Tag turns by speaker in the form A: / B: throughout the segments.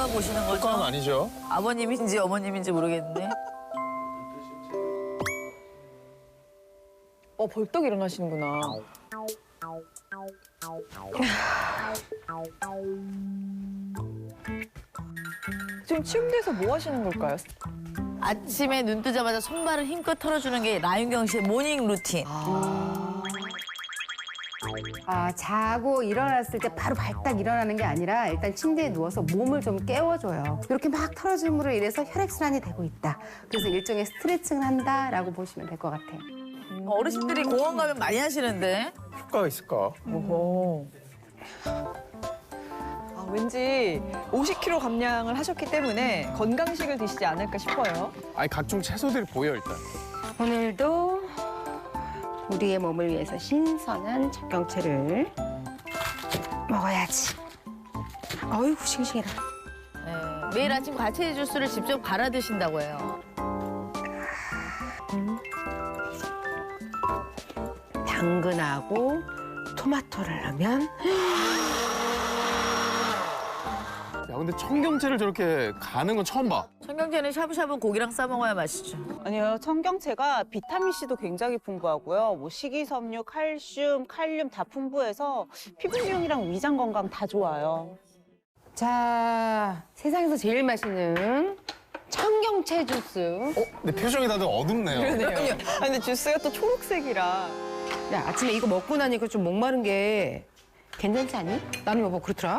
A: 누가 보시는 거죠?
B: 그건 아니죠.
A: 아버님인지 어머님인지 모르겠는데.
C: 벌떡 일어나시는구나. 지금 침대에서 뭐 하시는 걸까요?
A: 아침에 눈 뜨자마자 손발을 힘껏 털어주는 게 나윤경 씨의 모닝 루틴.
D: 자고 일어났을 때 바로 발딱 일어나는 게 아니라 일단 침대에 누워서 몸을 좀 깨워줘요. 이렇게 막 털어줌으로 인해서 혈액순환이 되고 있다. 그래서 일종의 스트레칭을 한다라고 보시면 될 것 같아요.
A: 어르신들이 공원 가면 많이 하시는데.
B: 효과가 있을까?
C: 오호. 왠지 50kg 감량을 하셨기 때문에 건강식을 드시지 않을까 싶어요.
B: 아니 각종 채소들이 보여 일단.
D: 오늘도 우리의 몸을 위해서 신선한 적경채를 먹어야지. 어이구 싱싱해라.
A: 네, 매일 아침 과채 주스를 직접 갈아 드신다고 해요.
D: 당근하고 토마토를 넣으면
B: 야 근데 청경채를 저렇게 가는 건 처음 봐.
A: 청경채는 샤브샤브 고기랑 싸 먹어야 맛있죠.
E: 아니요, 청경채가 비타민C도 굉장히 풍부하고요. 뭐 식이섬유, 칼슘, 칼륨 다 풍부해서 피부 미용이랑 위장 건강 다 좋아요.
D: 자 세상에서 제일 맛있는 청경채 주스.
B: 근데 표정이 다들 어둡네요.
C: 그러네요. 근데 주스가 또 초록색이라.
D: 야 아침에 이거 먹고 나니까 좀 목마른 게 괜찮지 않니? 나는 여보 그렇더라.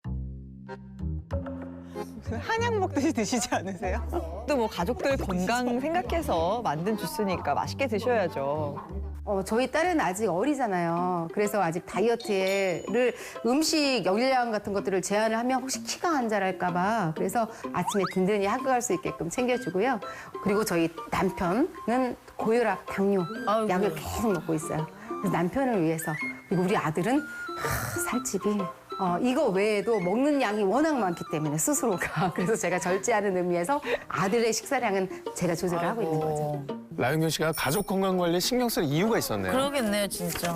E: 한약 먹듯이 드시지 않으세요?
C: 또 뭐 가족들 건강 생각해서 만든 주스니까 맛있게 드셔야죠.
D: 저희 딸은 아직 어리잖아요. 그래서 아직 다이어트를 음식 열량 같은 것들을 제한을 하면 혹시 키가 안 자랄까 봐. 그래서 아침에 든든히 학교 갈 수 있게끔 챙겨주고요. 그리고 저희 남편은 고혈압, 당뇨
A: 아이고.
D: 약을 계속 먹고 있어요. 그래서 남편을 위해서. 그리고 우리 아들은 살집이 이거 외에도 먹는 양이 워낙 많기 때문에 스스로가. 그래서 제가 절제하는 의미에서 아들의 식사량은 제가 조절을 하고 있는 거죠.
B: 라윤경 씨가 가족 건강 관리에 신경 쓸 이유가 있었네요.
A: 그러겠네요, 진짜.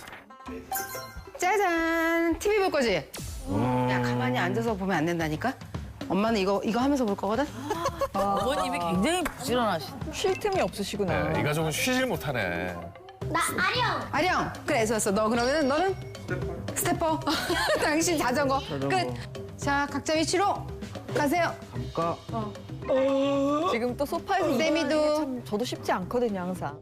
D: 짜잔! TV 볼 거지? 야, 가만히 앉아서 보면 안 된다니까? 엄마는 이거 하면서 볼 거거든?
A: 어머님이 굉장히 부지런하시네.
C: 쉴 틈이 없으시구나.
B: 네, 이 가족은 쉬질 못하네.
F: 나 아령.
D: 아령! 그래, 좋았어. 너 그러면 너는? 스태퍼. 당신 자전거. 끝. 자, 각자 위치로 가세요.
C: 지금 또 소파에서
D: 쌤이도.
C: 일어나는 게 참 저도 쉽지 않거든요, 항상.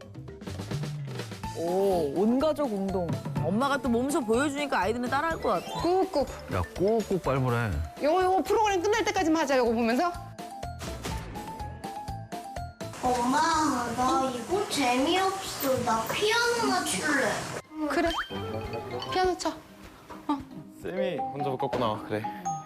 C: 오, 온가족 운동.
A: 엄마가 또 몸소 보여주니까 아이들은 따라할 것 같아.
D: 꾹꾹.
G: 야, 꼭꼭 밟으래.
D: 요거 프로그램 끝날 때까지만 하자, 요거 보면서.
F: 엄마, 나 이거 재미없어. 나 피아노나 칠래.
D: 그래. 피아노 쳐.
B: 쌤이 혼자 못 걷구나. 그래.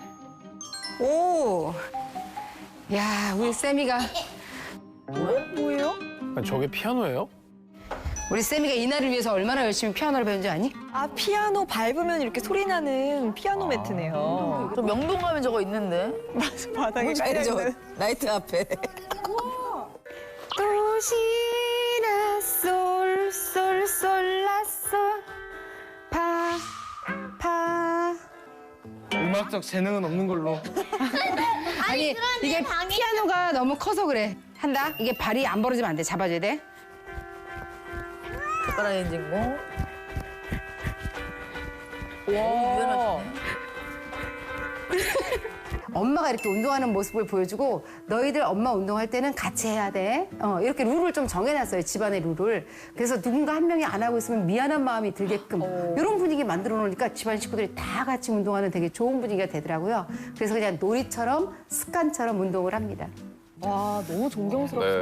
D: 오. 야, 우리 쌤이가.
C: 뭐예요?
B: 아니, 저게 피아노예요?
D: 우리 쌤이가 이날을 위해서 얼마나 열심히 피아노를 배운지 아니?
C: 아, 피아노 밟으면 이렇게 소리 나는 피아노 매트네요.
A: 저 명동 가면 저거 있는데.
C: 바닥에 깔려있는.
A: 나이트 앞에.
D: 도시라 솔솔솔라솔 파.
B: 음악적 재능은 없는 걸로.
D: 아니 이게 피아노가 너무 커서 그래. 한다. 이게 발이 안 벌어지면 안 돼. 잡아줘야 돼.
A: 젓가락 엔진고.
C: 와.
A: 유연하시네.
D: 엄마가 이렇게 운동하는 모습을 보여주고 너희들 엄마 운동할 때는 같이 해야 돼. 이렇게 룰을 좀 정해놨어요. 집안의 룰을. 그래서 누군가 한 명이 안 하고 있으면 미안한 마음이 들게끔 이런 분위기 만들어 놓으니까 집안 식구들이 다 같이 운동하는 되게 좋은 분위기가 되더라고요. 그래서 그냥 놀이처럼 습관처럼 운동을 합니다.
C: 와, 너무 존경스럽습니다.